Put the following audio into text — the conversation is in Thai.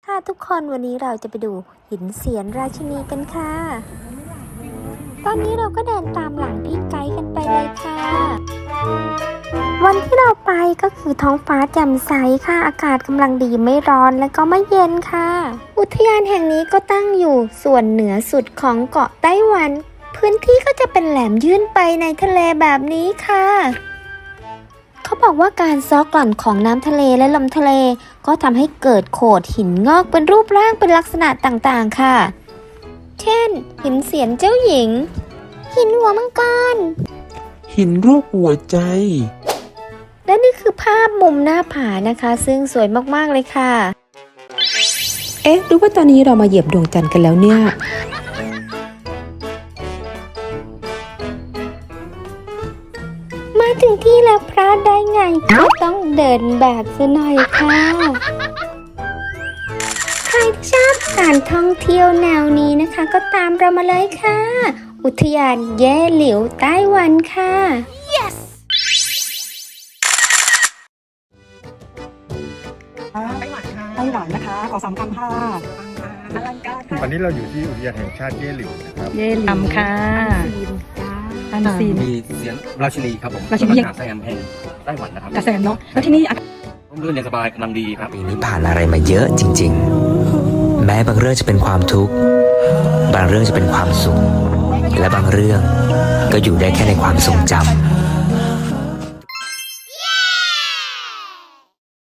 ค่ะทุกคนวันนี้เราจะไปดูหินเสียนราชินีกันค่ะตอนนี้เราก็เดินตามหลังพี่ไกด์กันไปเลยค่ะวันที่เราไปก็คือท้องฟ้าแจ่มใสค่ะอากาศกำลังดีไม่ร้อนและก็ไม่เย็นค่ะอุทยานแห่งนี้ก็ตั้งอยู่ส่วนเหนือสุดของเกาะไต้หวันพื้นที่ก็จะเป็นแหลมยื่นไปในทะเลแบบนี้ค่ะเขาบอกว่าการซ้อกลั่นของน้ำทะเลและลมทะเลก็ทำให้เกิดโขดหินงอกเป็นรูปร่างเป็นลักษณะต่างๆค่ะเช่นหินเสียนเจ้าหญิงหินหัวมังกรหินรูปหัวใจและนี่คือภาพมุมหน้าผานะคะซึ่งสวยมากๆเลยค่ะหรือว่าตอนนี้เรามาเหยียบดวงจันทร์กันแล้วเนี่ยมาถึงที่แล้วพลาดได้ไงก็ต้องเดินแบบซะหน่อยค่ะใครที่ชอบการท่องเที่ยวแนวนี้นะคะก็ตามเรามาเลยค่ะอุทยานแย่หลิวไต้หวันค่ะ yes ไต้หวันนะคะขอ3 คำค่ะอลังการค่ะวันนี้เราอยู่ที่อุทยานแห่งชาติเย่หลิวนะครับเย่หลิมค่ะอันซีนมีเสียงราชินีครับผมราชินีหาดแซมแห่งไต้หวันนะครับกระแสเนาะแล้วที่นี่ร่มรื่นเย็นสบายกำลังดีครับปีนี้ผ่านอะไรมาเยอะจริงๆ แม้บางเรื่องจะเป็นความทุกข์ บางเรื่องจะเป็นความสุข และบางเรื่องก็อยู่ได้แค่ในความทรงจำ